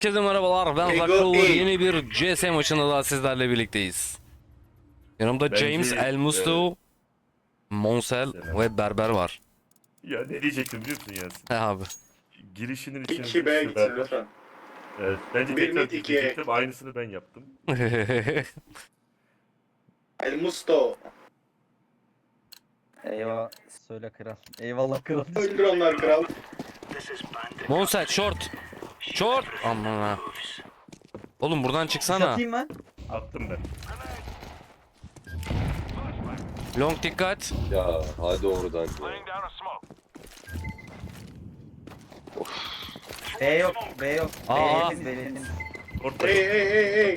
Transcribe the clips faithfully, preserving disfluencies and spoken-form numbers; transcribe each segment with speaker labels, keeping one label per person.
Speaker 1: Herkese merhabalar, ben Zakul. Yeni bir C S maçında daha sizlerle birlikteyiz. Yanımda
Speaker 2: Bence,
Speaker 1: James, El Musto, Monsel
Speaker 2: Selam.
Speaker 1: ve Berber var.
Speaker 2: Ya ne diyecektim biliyor musun Yasin?
Speaker 1: He abi.
Speaker 2: Girişinin
Speaker 3: iki
Speaker 2: içine
Speaker 3: B
Speaker 2: şu
Speaker 3: gitsin
Speaker 2: berber.
Speaker 3: lütfen.
Speaker 2: Evet, bence
Speaker 3: Bir
Speaker 2: tekrar
Speaker 3: mid, iki
Speaker 2: diyecektim. Aynısını ben yaptım.
Speaker 3: El Musto.
Speaker 4: Eyvallah söyle kral. Eyvallah kral.
Speaker 3: Öldür onlar kral.
Speaker 1: Monsel short. Short. Aman ha. Oğlum buradan çıksana.
Speaker 4: Satayım mı?
Speaker 2: Attım ben.
Speaker 1: Long dikkat.
Speaker 5: Ya hadi oradan ya.
Speaker 4: B yok, B yok. B
Speaker 1: Aa.
Speaker 4: yedim, B yedim.
Speaker 2: Orta.
Speaker 3: Hey hey hey hey.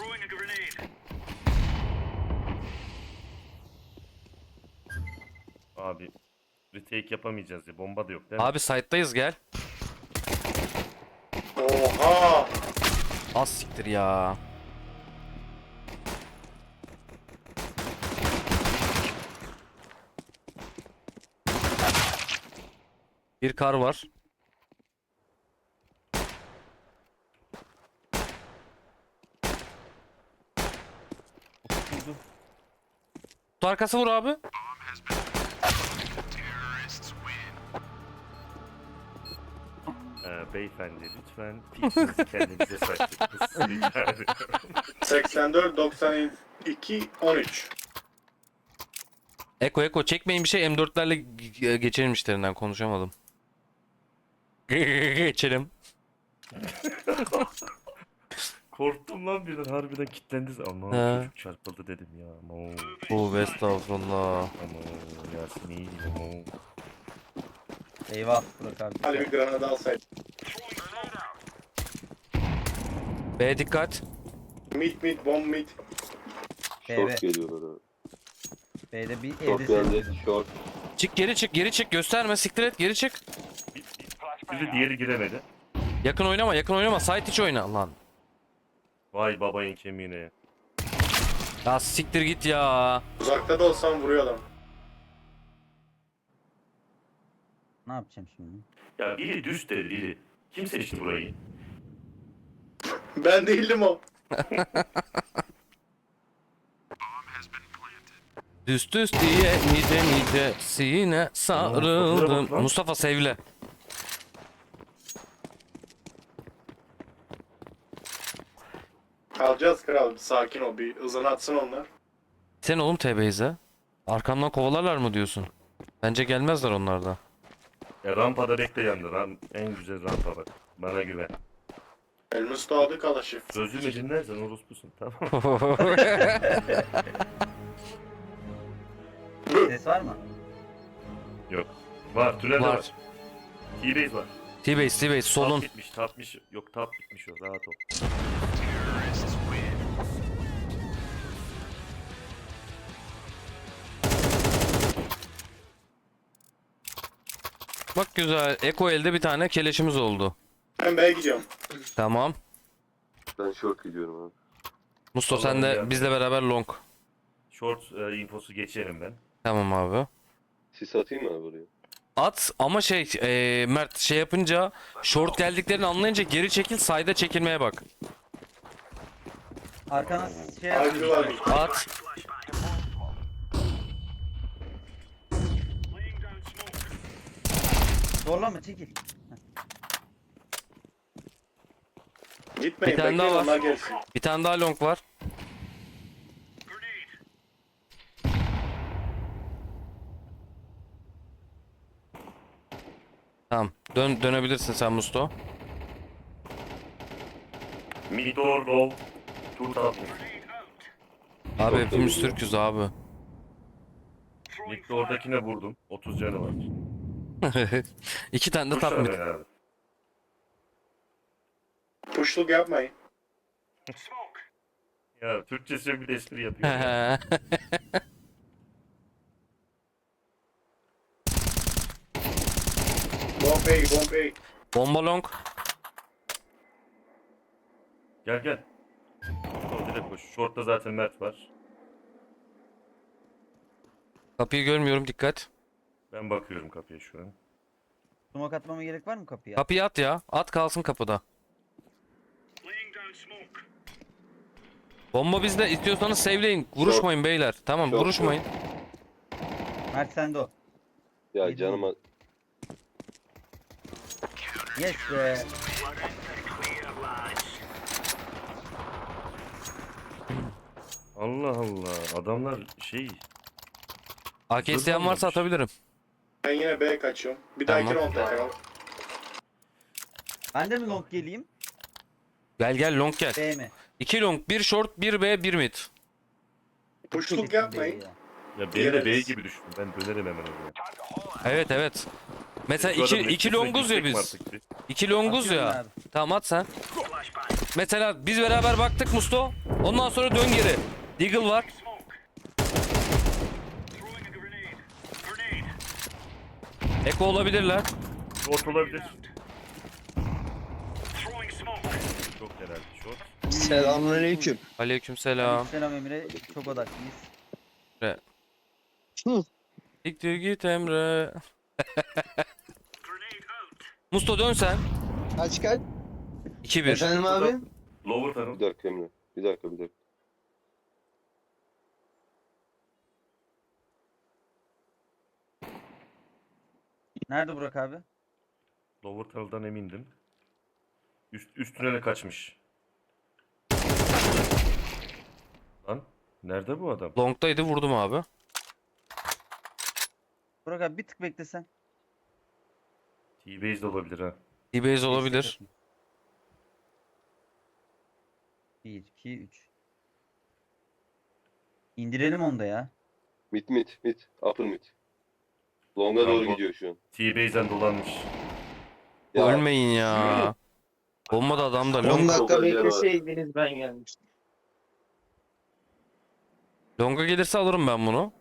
Speaker 2: Abi retake yapamayacağız ya. Bomba da yok değil mi?
Speaker 1: Abi site'dayız, gel.
Speaker 3: Oha.
Speaker 1: Az siktir ya. Bir kar var. Kutu arkası vur abi.
Speaker 2: Ee, beyefendi lütfen piksinizi kendinize saklayın.
Speaker 3: seksen dört doksan iki on üç.
Speaker 1: Eko Eko çekmeyin bir şey, M dörtlerle ge- geçelim işlerinden, konuşamadım. Geçelim.
Speaker 2: Korktum lan birden, harbiden kilitlendiniz. Ama
Speaker 1: He.
Speaker 2: çocuk çarpıldı dedim ya. Ama
Speaker 1: Bu estağfurullah.
Speaker 2: ama Yasin iyi ama.
Speaker 4: Eyvah Burak abi.
Speaker 3: Hadi bir granada alsaydı.
Speaker 1: B dikkat.
Speaker 3: Mid mid bomb mid.
Speaker 4: B, B.
Speaker 5: Short geliyorlar abi.
Speaker 4: B'de bir
Speaker 5: Short
Speaker 4: evde
Speaker 5: geldi.
Speaker 4: sen.
Speaker 5: Short.
Speaker 1: Çık geri çık geri çık, gösterme, siktir et, geri çık.
Speaker 2: Bir, bir, biri diğeri giremedi.
Speaker 1: Yakın oynama, yakın oynama, site içi oyna lan.
Speaker 2: Vay babayın kemiğine.
Speaker 1: Ya siktir git ya.
Speaker 3: Uzakta da olsam vuruyor adam.
Speaker 4: Ne yapacağım şimdi?
Speaker 2: Ya biri düz dedi biri. Kim seçti burayı?
Speaker 3: Ben değildim o.
Speaker 1: Düst düst diye nice nice sine sarıldım. Mustafa sevle.
Speaker 3: Alacağız kral. Sakin ol. Bir hızını atsın onlar.
Speaker 1: Sen oğlum T B'yize. Arkamdan kovalarlar mı diyorsun? Bence gelmezler onlar da.
Speaker 2: Ya rampada bekle yandı. Ram, en güzel rampa bak. Bana güven.
Speaker 3: El Musto aldı kalaşı.
Speaker 2: Sözümü dinlersen orospusun, tamam mı?
Speaker 4: Ses var mı?
Speaker 2: Yok. Var, tünelde
Speaker 1: Var.
Speaker 2: var. T-base var.
Speaker 1: T-base T-base solun.
Speaker 2: Tap bitmiş, tapmış. Yok, tap bitmiş o. Rahat ol.
Speaker 1: Bak güzel. Eko elde bir tane keleşimiz oldu.
Speaker 3: Ben B'ye gidiyorum.
Speaker 1: Tamam.
Speaker 5: Ben short gidiyorum abi.
Speaker 1: Musto
Speaker 2: Allah'ım
Speaker 1: sen de
Speaker 2: ya.
Speaker 1: bizle beraber long.
Speaker 2: Short e, infosu geçerim ben.
Speaker 1: Tamam abi.
Speaker 5: Sis atayım mı abi buraya?
Speaker 1: At ama şey eee, Mert şey yapınca, short geldiklerini anlayınca geri çekil, side'a çekilmeye bak.
Speaker 4: Arkana şey
Speaker 3: Harbi var.
Speaker 1: At.
Speaker 4: Zorlama çekil.
Speaker 3: Gitmeyin.
Speaker 1: Bir tane daha
Speaker 3: Bekleyin
Speaker 1: var.
Speaker 3: onlar gelsin.
Speaker 1: Bir tane daha long var. Tamam. Dön dönebilirsin sen Musto.
Speaker 2: Mid or low. Tur tapmış.
Speaker 1: Abi
Speaker 5: Çok
Speaker 1: hepimiz
Speaker 5: da iyi.
Speaker 1: Türk'üz abi.
Speaker 2: Mid'de oradakine vurdum. otuz canı var.
Speaker 1: İki tane de
Speaker 2: Kuşlar
Speaker 1: top mid.
Speaker 2: ben abi.
Speaker 3: Puşluk yapmayın.
Speaker 2: Ya Türkçesi yok, bir de espri yapıyor. ya.
Speaker 3: Bomb A bomb A.
Speaker 1: Bomba long.
Speaker 2: Gel gel. O direkt koş. Short'ta zaten Mert var.
Speaker 1: Kapıyı görmüyorum, dikkat.
Speaker 2: Ben bakıyorum kapıya şu an.
Speaker 4: Smoke atmama gerek var mı kapıya?
Speaker 1: Kapıyı at ya. At kalsın kapıda. Bomba bizde. İstiyorsanız sevleyin. Vuruşmayın beyler. Tamam
Speaker 5: Çok
Speaker 1: vuruşmayın.
Speaker 4: Mert sende o.
Speaker 5: Ya
Speaker 4: Neydi
Speaker 5: canıma
Speaker 4: Yes be.
Speaker 2: Allah Allah. Adamlar şey.
Speaker 1: A K isteyen varsa
Speaker 2: Zırhlanmamış.
Speaker 1: atabilirim.
Speaker 3: Ben yine B'ye kaçıyorum. Bir dahaki
Speaker 1: Tamam.
Speaker 3: round tekrar.
Speaker 4: Ben de mi long geleyim?
Speaker 1: Gel gel long gel.
Speaker 4: B mi?
Speaker 1: iki long, bir short, bir B, bir mid.
Speaker 3: Puşluk yapmayın.
Speaker 4: Ya.
Speaker 2: Ya beni de B
Speaker 3: Yes.
Speaker 2: gibi düşün. Ben dönerim hemen oraya.
Speaker 1: Evet evet. Mesela
Speaker 2: Şu
Speaker 1: iki,
Speaker 2: adamın
Speaker 1: iki
Speaker 2: etkisine
Speaker 1: longuz ya
Speaker 2: girsek mi
Speaker 1: biz.
Speaker 2: artık bir?
Speaker 1: İki longuz
Speaker 4: Atıyorum
Speaker 1: ya.
Speaker 4: abi.
Speaker 1: Tamam at sen. Mesela biz beraber baktık Musto. Ondan sonra dön geri. Deagle var. Eko olabilirler.
Speaker 2: Short olabilir. Çok herhalde short.
Speaker 6: Selamünaleyküm.
Speaker 1: Aleykümselam.
Speaker 4: Selam Emre. Çok odaklıyız.
Speaker 6: Hı.
Speaker 1: Siktir git Emre. Musto dön sen.
Speaker 6: Kaç kaç?
Speaker 1: iki bir.
Speaker 6: Efendim abi?
Speaker 2: Lower tunnel.
Speaker 5: bir dakika Emre. Bir dakika bir dakika.
Speaker 4: Nerede Burak abi?
Speaker 2: Lower tunnel'dan emindim. Üst, üst tünele kaçmış. Lan nerede bu adam?
Speaker 1: Long'daydı vurdum abi.
Speaker 4: Burak abi bir tık beklesen.
Speaker 2: T-base de olabilir ha.
Speaker 1: D-base olabilir.
Speaker 4: bir, iki, üç. İndirelim onu da ya.
Speaker 5: Mid mid mid. Upper mid. Long'a
Speaker 2: Tamam,
Speaker 5: doğru
Speaker 2: bu-
Speaker 5: gidiyor şu an.
Speaker 2: T-base'den dolanmış.
Speaker 5: Ya
Speaker 1: Ölmeyin ya. Olmadı adam da
Speaker 6: on
Speaker 1: long.
Speaker 6: dakika
Speaker 5: Çok acele var.
Speaker 6: bekleseydiniz ben gelmiştim.
Speaker 1: Long'a gelirse alırım ben bunu.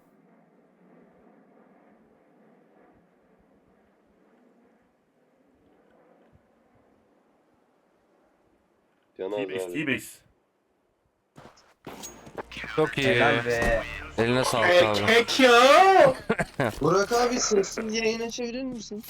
Speaker 5: Can az
Speaker 2: T-base,
Speaker 5: abi.
Speaker 2: T-base.
Speaker 1: Çok iyi.
Speaker 4: Helal be.
Speaker 1: Eline sağlık
Speaker 3: Ek
Speaker 1: abi.
Speaker 3: ek ya.
Speaker 6: Burak abi sessiz yayına çevirir misin?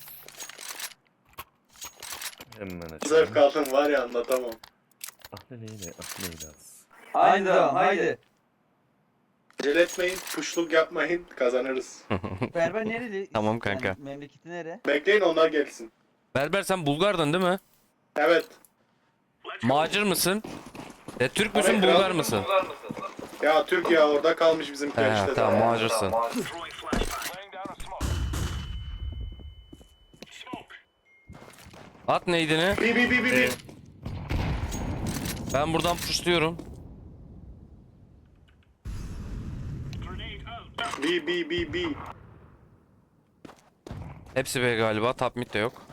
Speaker 2: Hemen
Speaker 3: Zevk
Speaker 2: açalım.
Speaker 3: aldım var ya anlatamam.
Speaker 2: Ah ne neyle, ah neyle az.
Speaker 4: Haydi devam haydi.
Speaker 3: Acele etmeyin. Puşluk yapmayın. Kazanırız.
Speaker 4: Berber nereli?
Speaker 1: Tamam kanka.
Speaker 4: Yani memleketi nere?
Speaker 3: Bekleyin onlar gelsin.
Speaker 1: Berber sen Bulgardın değil mi?
Speaker 3: Evet.
Speaker 1: Macir mısın? E, Türk müsün
Speaker 3: Evet,
Speaker 1: Bulgar
Speaker 3: kral.
Speaker 1: mısın?
Speaker 3: Ya Türkiye orada kalmış bizimkiler
Speaker 1: He,
Speaker 3: işte.
Speaker 1: tamam
Speaker 3: daha.
Speaker 1: Macirsin. At neydini?
Speaker 3: Bi bi bi bi
Speaker 2: Ee,
Speaker 3: bi.
Speaker 1: Ben buradan pushluyorum.
Speaker 3: Bi bi bi bi.
Speaker 1: Hepsi B galiba. Top mid de yok.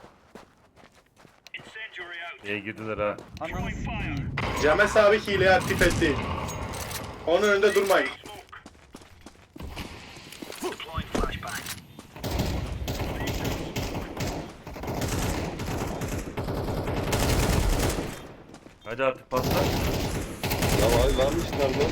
Speaker 2: B'ye girdiler ha.
Speaker 4: Ananı sikeyim.
Speaker 3: Cemes abi hileyi aktif etti. Onun önünde durmayın.
Speaker 2: Hadi artık patla.
Speaker 5: Ya abi varmış nerede?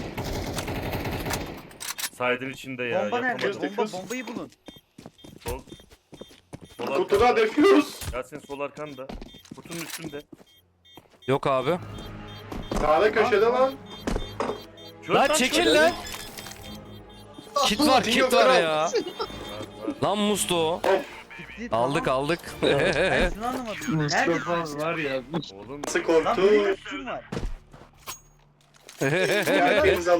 Speaker 2: Side'ın içinde ya.
Speaker 4: Bomba nerede?
Speaker 2: yapamadım.
Speaker 4: Bomba bombayı bulun.
Speaker 2: Sol. Sol
Speaker 3: Kutuda
Speaker 2: arkanda.
Speaker 3: defuse.
Speaker 2: Yasin sol arkanda. Kutunun üstünde.
Speaker 1: Yok abi.
Speaker 3: Sağda köşede lan.
Speaker 2: Çöz
Speaker 1: Lan
Speaker 2: çöz.
Speaker 1: çekil lan. Kit var
Speaker 3: King
Speaker 1: kit
Speaker 3: of
Speaker 1: var
Speaker 3: Kral.
Speaker 1: ya.
Speaker 2: Var, var.
Speaker 1: Lan Musto.
Speaker 4: Gitti,
Speaker 1: Aldık
Speaker 4: tamam.
Speaker 1: aldık.
Speaker 4: Ben şunu anlamadım. Nerede?
Speaker 6: Mustafa var ya.
Speaker 2: Oğlum
Speaker 3: Nasıl
Speaker 4: Lan
Speaker 3: korktu?
Speaker 4: benim üstüm var.
Speaker 3: Yani imzalı.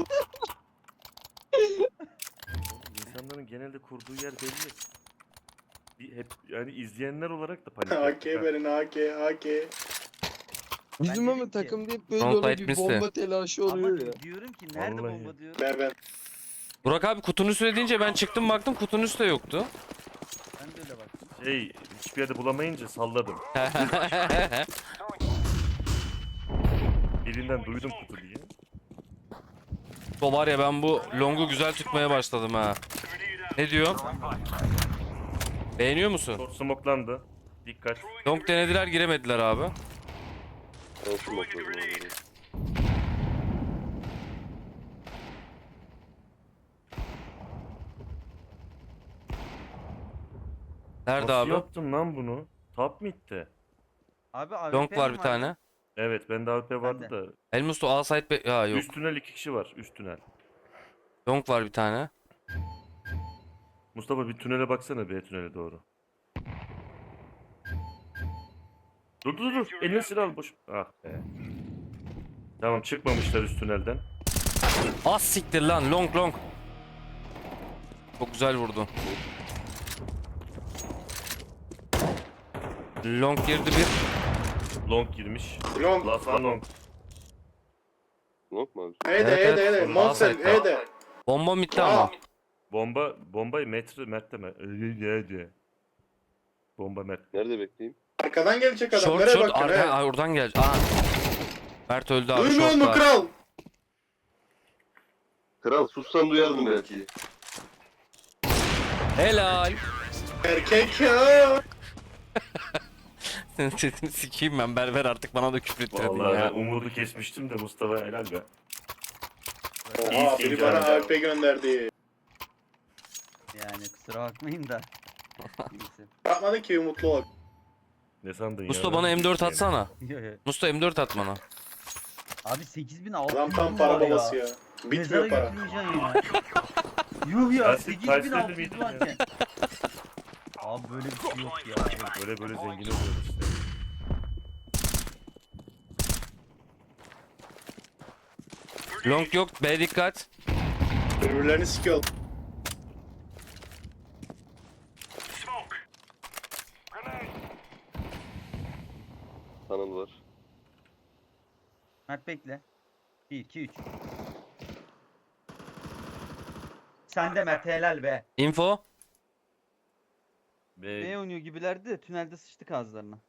Speaker 2: insanların genelde kurduğu yer belli. Bir hep yani izleyenler olarak da panik
Speaker 3: A
Speaker 2: yaptık
Speaker 3: K
Speaker 2: ha.
Speaker 3: verin A K A K.
Speaker 6: Bizim
Speaker 4: Ben
Speaker 6: ama
Speaker 4: dedim ki-
Speaker 6: takımda hep böyle
Speaker 1: Frontlight
Speaker 6: oluyor bir
Speaker 1: misli.
Speaker 6: bomba telaşı
Speaker 4: Ama
Speaker 6: oluyor ya.
Speaker 4: diyorum ki nerede
Speaker 2: Vallahi.
Speaker 4: bomba diyorum.
Speaker 3: Ver ben.
Speaker 1: Burak abi kutunun üstüne deyince ben çıktım baktım kutunun üstü de yoktu.
Speaker 4: Ben de öyle baktım.
Speaker 2: Şey hiçbir yerde bulamayınca salladım. Birinden duydum kutu diye.
Speaker 1: O var ya ben bu longu güzel tutmaya başladım ha. Ne diyor? Beğeniyor musun?
Speaker 2: Short smoke'landı. Dikkat.
Speaker 1: Long denediler giremediler abi.
Speaker 5: Ben smokladım abi.
Speaker 1: Nerede
Speaker 2: Nasıl
Speaker 1: abi?
Speaker 2: yaptın lan bunu? Top mid'de.
Speaker 4: Abi A W P
Speaker 1: Long var
Speaker 4: mi
Speaker 1: bir tane.
Speaker 2: Evet bende A W P vardı
Speaker 4: Bende.
Speaker 2: da.
Speaker 1: El Musto A site be... Ya yok.
Speaker 2: Üst tünel iki kişi var. Üst tünel.
Speaker 1: Long var bir tane.
Speaker 2: Mustafa bir tünele baksana B tünele doğru. Dur dur dur. Eline silah al boş. Ah be. Tamam çıkmamışlar üst tünelden.
Speaker 1: Az siktir lan long long. Çok güzel vurdu. Long girdi bir.
Speaker 2: Long girmiş.
Speaker 3: Long.
Speaker 2: Lasan long.
Speaker 5: Long mu abi?
Speaker 3: Heyde
Speaker 1: Evet,
Speaker 3: heyde
Speaker 1: evet.
Speaker 3: heyde.
Speaker 1: Sağ
Speaker 3: Monster
Speaker 1: side'da.
Speaker 3: heyde.
Speaker 1: Bomba bitti ama.
Speaker 2: Bomba bombayı metre Mert'te mi? Öyle diye. Bomba Mert.
Speaker 5: Nerede bekleyeyim?
Speaker 3: Arkadan gelecek adam.
Speaker 1: Short
Speaker 3: Nereye
Speaker 1: short
Speaker 3: bakıyorsun?
Speaker 1: arka
Speaker 3: he?
Speaker 1: Aa, oradan gel. Aa. Mert öldü abi.
Speaker 3: Duymuyor
Speaker 1: Short
Speaker 3: musun
Speaker 1: var.
Speaker 3: kral?
Speaker 5: Kral sussan duyardım belki.
Speaker 1: Helal.
Speaker 3: Erkek ya.
Speaker 1: Senin sesini sikeyim ben. Berber artık bana da küfür ettirdin
Speaker 2: Vallahi
Speaker 1: ya.
Speaker 2: ben umudu kesmiştim de Mustafa helal be.
Speaker 3: Oha
Speaker 2: İyisin
Speaker 3: biri
Speaker 2: canım.
Speaker 3: bana A W P gönderdi.
Speaker 4: Yani kusura bakmayın da. Neyse.
Speaker 3: Bakmadın ki mutlu ol.
Speaker 2: Ne sandın ya?
Speaker 1: Musto bana M dört atsana.
Speaker 4: Yo, yo.
Speaker 1: Musto M dört at bana.
Speaker 4: Abi sekiz bin altı
Speaker 3: Adam
Speaker 4: yüz
Speaker 3: tam
Speaker 4: var
Speaker 3: para babası ya.
Speaker 4: Mezara
Speaker 3: Bitmiyor para.
Speaker 4: götürmeyeceksin ya. Yuh ya
Speaker 2: Kaç-
Speaker 4: sekiz
Speaker 2: kaç
Speaker 4: bin
Speaker 2: sene
Speaker 4: altı yüz
Speaker 2: miydin ya?
Speaker 4: varken. Abi böyle bir şey yok ya.
Speaker 2: Böyle böyle zengin oluyoruz işte.
Speaker 1: Long yok. B dikkat.
Speaker 3: Birbirlerini sikiyor.
Speaker 5: Tanıl var.
Speaker 4: Mert bekle. bir iki üç. Sen de Mert helal be.
Speaker 1: Info.
Speaker 2: Ve
Speaker 4: Ne oynuyor gibilerdi de tünelde sıçtık ağızlarına.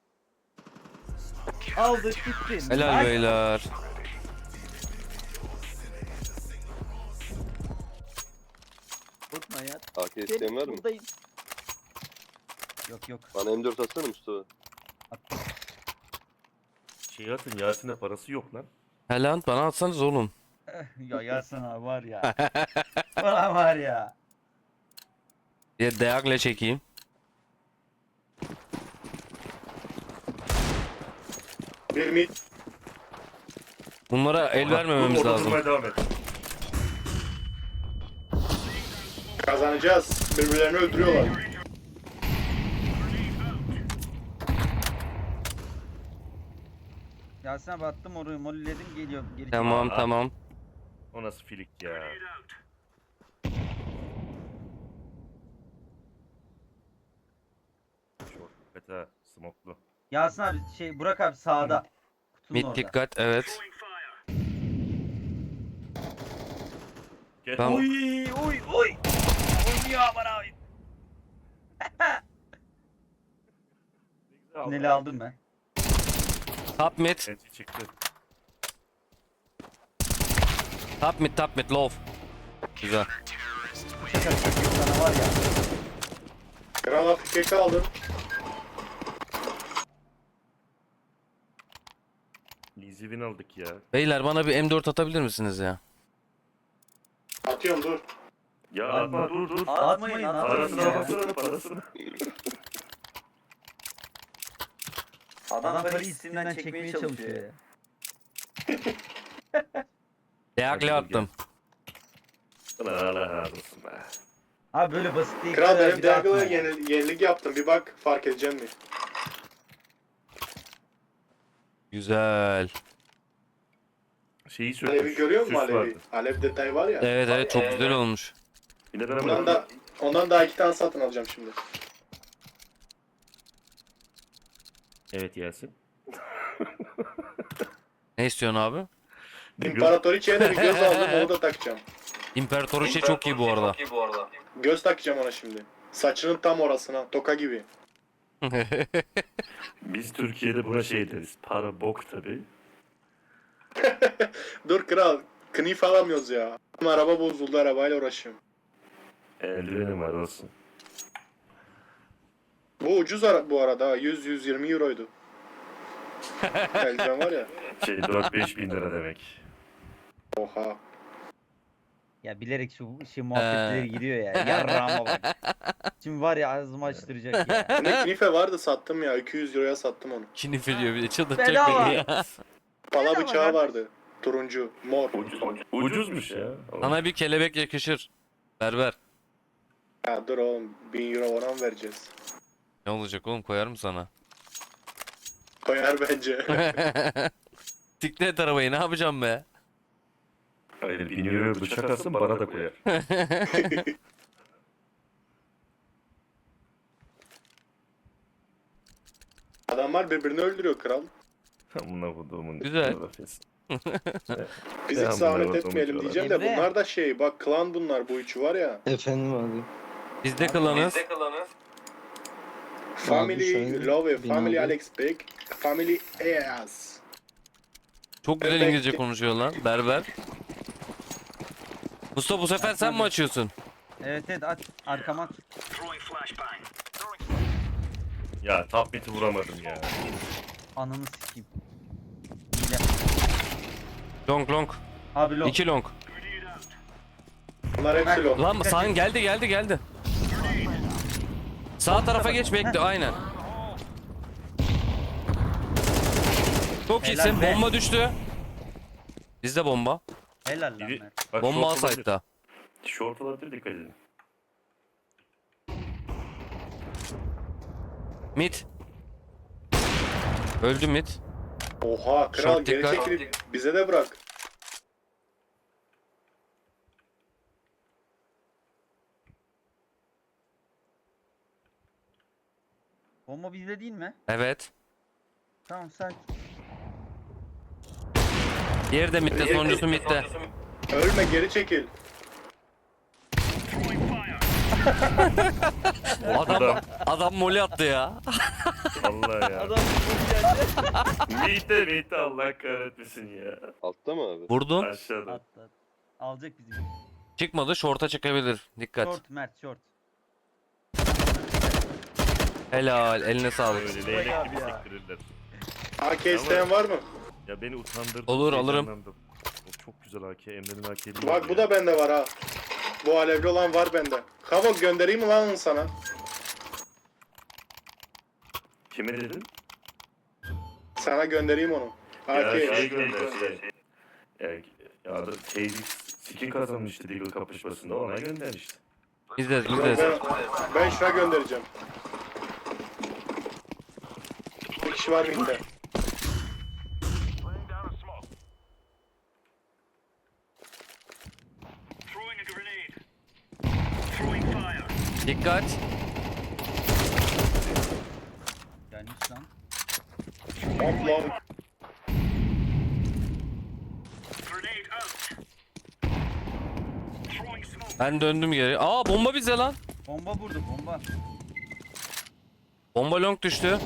Speaker 4: Aldık gitti.
Speaker 1: Helal
Speaker 4: Nice.
Speaker 1: beyler.
Speaker 4: Korkma ya.
Speaker 5: A K isteyen var mı?
Speaker 4: Buradayım. Yok yok.
Speaker 5: Bana M dört atsana Mustafa.
Speaker 2: şey atın Yasin'e parası yok lan.
Speaker 1: Helal bana atsanız oğlum.
Speaker 4: Ya Yasin abi var ya. Bana var ya.
Speaker 1: Ya dayakla çekeyim.
Speaker 3: Bir mid.
Speaker 1: Bunlara el vermememiz
Speaker 2: Orada
Speaker 1: lazım.
Speaker 2: durmaya devam et.
Speaker 3: Kazanacağız. Birbirlerini öldürüyorlar.
Speaker 4: Yasin abi attım orayı molledim geliyor. Geri
Speaker 1: Tamam
Speaker 2: Aa.
Speaker 1: tamam.
Speaker 2: O nasıl filik ya? Çok beta smoklu.
Speaker 4: Yasin abi şey Burak abi sağda. Kutunun
Speaker 1: Mid
Speaker 4: orada.
Speaker 1: dikkat evet.
Speaker 2: Gel.
Speaker 1: Tamam.
Speaker 4: Oy oy oy. Oynuyor aman abi. Tüneli aldım ben.
Speaker 1: Top mid.
Speaker 2: Enti çıktı.
Speaker 1: Top mid top mid low. Güzel.
Speaker 4: Şaka şaka sana var ya.
Speaker 3: Kral Afrika'yı kaldı.
Speaker 2: Easy win aldık ya.
Speaker 1: Beyler bana bir M dört atabilir misiniz ya?
Speaker 3: Atıyorum dur.
Speaker 2: Ya atma dur dur.
Speaker 4: Atmayın atmayın
Speaker 2: Parasına
Speaker 4: ya.
Speaker 2: baksana parasına.
Speaker 4: Adam parayı isimden çekmeye çalışıyor ya.
Speaker 1: Dayakla attım.
Speaker 2: Allah razı olsun be.
Speaker 4: Abi böyle basit değil.
Speaker 3: Kral
Speaker 4: kadar
Speaker 3: benim
Speaker 4: bir de atma
Speaker 3: Deagle'a
Speaker 4: ya.
Speaker 3: yeni, yenilik yaptım. Bir bak fark edeceğim mi?
Speaker 1: Güzel.
Speaker 2: Şeyi sökmüş.
Speaker 3: Alevi görüyor musun
Speaker 2: süs
Speaker 3: Alevi?
Speaker 2: vardı.
Speaker 3: Alev detayı var ya.
Speaker 1: Evet evet çok güzel olmuş.
Speaker 2: Yine ben
Speaker 3: Ondan
Speaker 2: ama
Speaker 3: da ondan daha iki tane satın alacağım şimdi.
Speaker 2: evet Yasin.
Speaker 1: Ne istiyorsun abi?
Speaker 3: İmparatoriçe'ye de bir göz aldım onu da takacağım.
Speaker 1: İmparatoriçe çok iyi bu arada.
Speaker 3: Göz takacağım ona şimdi. Saçının tam orasına. Toka gibi.
Speaker 2: Biz Türkiye'de buna şey deriz. Para bok tabi.
Speaker 3: Dur kral. Knif alamıyoruz ya. Araba bozuldu arabayla uğraşıyorum.
Speaker 2: Eldivenim var olsun.
Speaker 3: Bu ucuz ara bu arada. yüz yüz yirmi euroydu. Eldiven var ya.
Speaker 2: Şey dört beş bin lira demek.
Speaker 3: Oha.
Speaker 4: Ya bilerek şu şey muhabbetleri giriyor ya. Yarrağıma bak. Şimdi var ya ağzımı açtıracak ya.
Speaker 3: Ne knife vardı sattım ya. iki yüz euroya sattım onu.
Speaker 1: Kinif ediyor bir de çıldırtacak
Speaker 4: Bedava.
Speaker 1: beni ya.
Speaker 3: Pala
Speaker 4: Nerede
Speaker 3: bıçağı
Speaker 4: var?
Speaker 3: vardı. Turuncu, mor.
Speaker 2: Ucuz, ucuzmuş ya.
Speaker 1: Sana bir kelebek yakışır. Berber.
Speaker 3: Ya dur oğlum, bin euro ona mı vereceğiz?
Speaker 1: Ne olacak oğlum, koyarım sana.
Speaker 3: Koyar bence.
Speaker 1: Siklet arabayı ne yapacağım be?
Speaker 2: Hayır, bin euro bıçak alsın bana da koyar.
Speaker 3: Adamlar birbirini öldürüyor kral.
Speaker 2: Amına koduğumun.
Speaker 1: Güzel.
Speaker 3: Biz
Speaker 2: Ben
Speaker 3: hiç
Speaker 2: bunları
Speaker 3: zahmet
Speaker 2: unutmuş
Speaker 3: etmeyelim
Speaker 2: olarak.
Speaker 3: diyeceğim de
Speaker 4: Emre.
Speaker 3: bunlar da şey, bak klan bunlar, bu üçü var ya.
Speaker 6: Efendim abi.
Speaker 1: Biz de klanız.
Speaker 3: Family
Speaker 6: şöyle
Speaker 3: Love,
Speaker 6: bin
Speaker 3: Family
Speaker 6: abi.
Speaker 3: Alex Big, Family Eas.
Speaker 1: Çok güzel
Speaker 3: Evet.
Speaker 1: İngilizce konuşuyor lan Berber. Mustafa bu sefer sen mi açıyorsun?
Speaker 4: Evet evet aç. Arkama at.
Speaker 2: Ya top mid'i vuramadım ya.
Speaker 4: Ananı sikeyim. Hile.
Speaker 1: Long long.
Speaker 4: Abi long.
Speaker 1: İki long.
Speaker 3: Bunlar hepsi long.
Speaker 1: Lan sağın geldi geldi geldi. Sağ tarafa geç bekle aynen. Çok
Speaker 4: Helal
Speaker 1: iyisin.
Speaker 4: be.
Speaker 1: Bomba düştü. Bizde bomba.
Speaker 4: Helal lan
Speaker 2: Biri,
Speaker 4: Mert.
Speaker 2: bak,
Speaker 1: Bomba
Speaker 2: short olabilir.
Speaker 1: alsaydı.
Speaker 2: Short olabilir, dikkat edin.
Speaker 1: Mid. Öldü mid.
Speaker 3: Oha kral,
Speaker 1: Short
Speaker 3: geri
Speaker 1: dikkat.
Speaker 3: çekilip bize de bırak.
Speaker 4: Bomba bizde değil mi?
Speaker 1: Evet.
Speaker 4: Tamam sakin.
Speaker 1: Diğeri de midde, sonuncusu midde.
Speaker 3: Ölme, geri çekil.
Speaker 1: Adam adam moli attı ya.
Speaker 2: Vallahi ya.
Speaker 4: Adam
Speaker 2: Mite mite Allah kahretmesin ya.
Speaker 5: Altta mı abi?
Speaker 1: Vurdun.
Speaker 2: Aşağıda.
Speaker 4: at at. Alacak bizi.
Speaker 1: Çıkmadı. Short'a çıkabilir. Dikkat.
Speaker 4: Short Mert short.
Speaker 1: Helal. Eline sağlık.
Speaker 2: Öyle
Speaker 4: Vay
Speaker 2: leylek
Speaker 4: abi
Speaker 2: gibi
Speaker 4: ya.
Speaker 2: sektirirler.
Speaker 3: A K isteyen var mı?
Speaker 2: Ya beni utandırdı.
Speaker 1: Olur, alırım.
Speaker 2: heyecanlandım. O çok güzel A K. Emre'nin A K'li.
Speaker 3: Bak bu da bende var ha. Bu alevli olan var bende. Kavok göndereyim mi lan onu sana?
Speaker 2: Kime dedin?
Speaker 3: Sana göndereyim onu.
Speaker 2: Ya
Speaker 3: A K.
Speaker 2: şey gönder şey. Ya, ya adam K D skin kazanmıştı Deagle kapışmasında, ona göndermişti.
Speaker 1: İzleriz
Speaker 3: Ben,
Speaker 1: izleriz.
Speaker 3: ben şuna göndereceğim. Bir kişi var bende.
Speaker 1: Dikkat.
Speaker 4: Gelmiş lan.
Speaker 3: Hop long.
Speaker 1: Ben döndüm geri. Aa bomba bize lan.
Speaker 4: Bomba vurdu bomba.
Speaker 1: Bomba long düştü.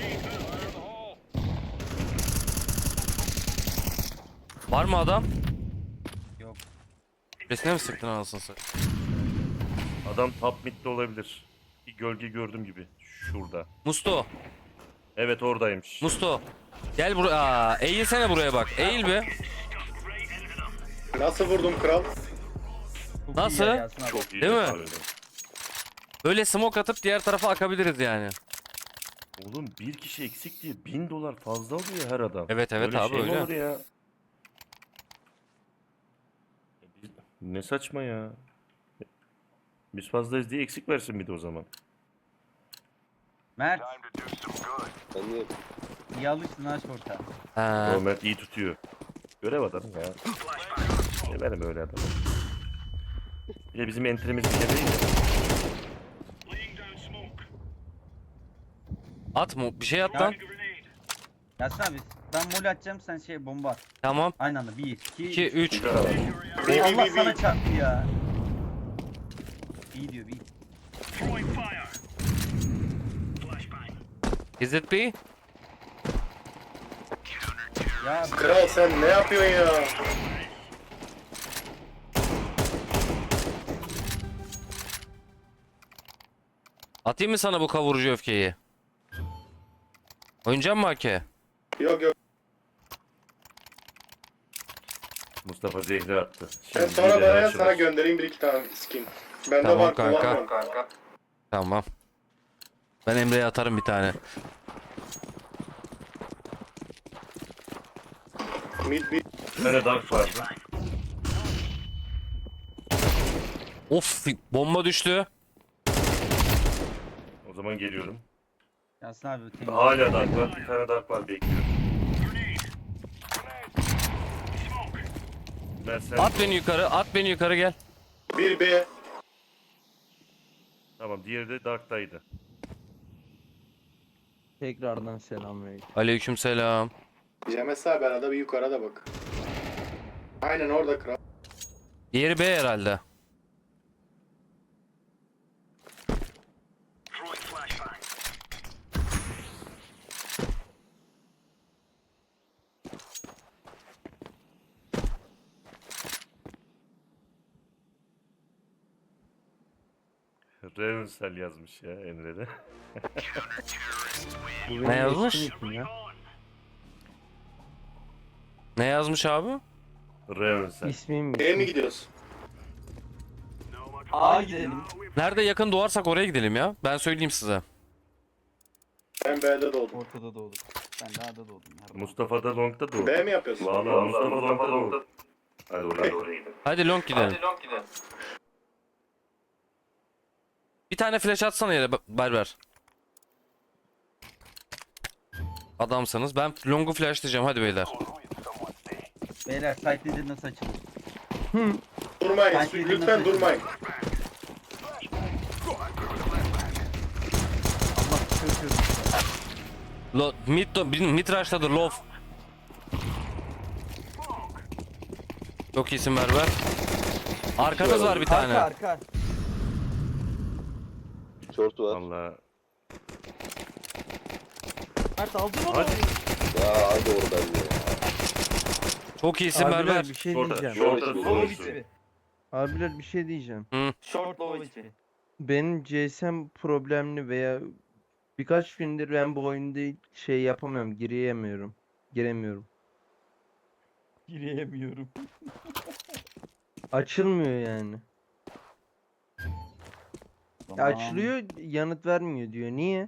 Speaker 1: Var mı adam?
Speaker 4: Yok.
Speaker 1: Resine mi sıktın anasını satayım?
Speaker 2: Adam top mid'de olabilir. Bir gölge gördüm gibi. Şurada.
Speaker 1: Musto.
Speaker 2: Evet oradaymış.
Speaker 1: Musto. Gel buraya. Aa, eğilsene buraya bak. Eğil be.
Speaker 3: Nasıl vurdum kral?
Speaker 4: Çok
Speaker 1: Nasıl?
Speaker 4: iyi yer Yasin abi.
Speaker 2: Çok iyi
Speaker 1: Değil mi?
Speaker 2: yakaladı.
Speaker 1: Böyle smoke atıp diğer tarafa akabiliriz yani.
Speaker 2: Oğlum bir kişi eksik diye bin dolar fazla alıyor her adam.
Speaker 1: Evet, evet
Speaker 2: Öyle
Speaker 1: abi,
Speaker 2: şey mi
Speaker 1: öyle.
Speaker 2: olur ya? Ne saçma ya. Biz fazlayız diye eksik versin bir de o zaman.
Speaker 4: Mert
Speaker 5: Ben de
Speaker 4: iyi alıştın ha short'a.
Speaker 1: Ha.
Speaker 2: Normal iyi tutuyor. Görev adamı ya. Severim öyle adamı. Bir de bizim entrimiz bir şey değil ya.
Speaker 1: At mı? Bir şey at
Speaker 4: Ya-
Speaker 1: lan.
Speaker 4: Yasin abi ben mol atacağım sen şey bomba at.
Speaker 1: Tamam.
Speaker 4: Aynı anda bir, iki,
Speaker 1: iki, üç.
Speaker 2: Güzel adam.
Speaker 3: Bir,
Speaker 4: Allah
Speaker 3: bir, bir,
Speaker 4: sana
Speaker 3: bir.
Speaker 4: çarptı ya. İyi diyor iyi.
Speaker 1: Is it B?
Speaker 4: Ya
Speaker 3: Kral sen ne yapıyorsun ya?
Speaker 1: Atayım mı sana bu kavurucu öfkeyi? Oynayacak mı A K?
Speaker 3: Yok yok.
Speaker 2: Mustafa zehri attı.
Speaker 3: Ben
Speaker 2: Şimdi
Speaker 3: sonra
Speaker 2: bir de
Speaker 3: bana
Speaker 2: açılır.
Speaker 3: sana göndereyim bir iki tane skin. Bende
Speaker 1: Tamam
Speaker 3: var,
Speaker 1: kanka.
Speaker 3: kullanmam.
Speaker 1: Tamam. Ben Emre'ye atarım bir tane.
Speaker 3: Mid mid.
Speaker 2: Bir tane dark vardı.
Speaker 1: Of bomba düştü.
Speaker 2: O zaman geliyorum.
Speaker 4: Yasin abi temiz.
Speaker 2: Hala dark var. Bir tane dark var bekliyorum. Ben sen...
Speaker 1: At beni yukarı, at beni yukarı gel.
Speaker 3: Bir B.
Speaker 2: Tamam, diğeri de darktaydı.
Speaker 6: Tekrardan selamünaleyküm.
Speaker 1: Aleykümselam.
Speaker 3: Cemes abi arada bir yukarıda da bak. Aynen orada kral.
Speaker 1: Diğeri B herhalde.
Speaker 2: Revensel yazmış ya Emre'de.
Speaker 6: Bu
Speaker 1: Ne
Speaker 6: benim
Speaker 1: yazmış?
Speaker 6: eski nickim ya.
Speaker 1: Ne yazmış abi?
Speaker 2: Revensel.
Speaker 6: İsmim
Speaker 3: B'ye mi gidiyoruz?
Speaker 4: A gidelim.
Speaker 1: Nerede yakın doğarsak oraya gidelim ya. Ben söyleyeyim size.
Speaker 3: Ben B'de doğdum.
Speaker 4: Ortada doğdum. Ben de A'da doğdum.
Speaker 2: Mustafa da Long'da doğdu.
Speaker 3: B mi yapıyorsun?
Speaker 2: Valla Mustafa Long'da doğdu. Hadi oraya oraya gidelim.
Speaker 1: Hadi long gidelim. Bir tane flash atsana yere Berber. Adamsanız. Ben long'u flashlayacağım hadi beyler.
Speaker 4: Beyler site leader nasıl açılır?
Speaker 3: Durmayın.
Speaker 4: Ben şey
Speaker 3: Lütfen
Speaker 4: bilmiyorum.
Speaker 3: durmayın.
Speaker 4: Allah çöküyorum.
Speaker 1: Lo mid, mid rush'tadır low. Çok iyisin Berber. Arkanız var bir tane.
Speaker 4: Arka arka.
Speaker 5: Short var.
Speaker 2: Valla.
Speaker 4: Mert aldın onu.
Speaker 2: Hadi.
Speaker 5: Ya hadi oradan ya.
Speaker 1: Çok iyisin
Speaker 6: Abiler
Speaker 1: Berber.
Speaker 6: bir şey
Speaker 2: Şorta,
Speaker 6: diyeceğim.
Speaker 2: şorta
Speaker 5: Low
Speaker 2: doğru
Speaker 4: içi.
Speaker 2: söylüyor.
Speaker 6: Abiler bir şey diyeceğim.
Speaker 4: Short low içi.
Speaker 6: Benim G S M problemli veya birkaç gündür ben bu oyunda şey yapamıyorum, gireyemiyorum. Giremiyorum.
Speaker 4: Gireyemiyorum.
Speaker 6: Açılmıyor yani. Ya
Speaker 4: Tamam.
Speaker 6: açılıyor, yanıt vermiyor diyor. Niye?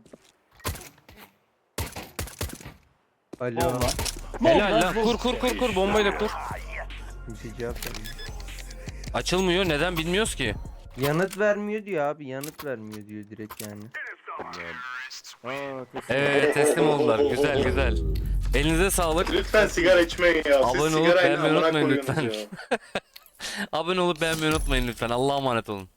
Speaker 6: Alo.
Speaker 4: Bomba.
Speaker 1: Helal lan. Kur kur kur kur bombayı da kur.
Speaker 6: Kimse cevap vermiyor.
Speaker 1: Açılmıyor. Neden bilmiyoruz ki.
Speaker 6: Yanıt vermiyor diyor abi. Yanıt vermiyor diyor direkt yani.
Speaker 2: Aa, teslim.
Speaker 1: Evet teslim oldular. Güzel güzel. Elinize sağlık.
Speaker 3: Lütfen sigara içmeyin ya.
Speaker 1: Abone
Speaker 3: Siz
Speaker 1: olup
Speaker 3: sigarayla
Speaker 1: beğenmeyi
Speaker 3: amına
Speaker 1: unutmayın
Speaker 3: koyuyorsunuz
Speaker 1: lütfen.
Speaker 3: ya.
Speaker 1: Abone olup beğenmeyi unutmayın lütfen. Allah'a emanet olun.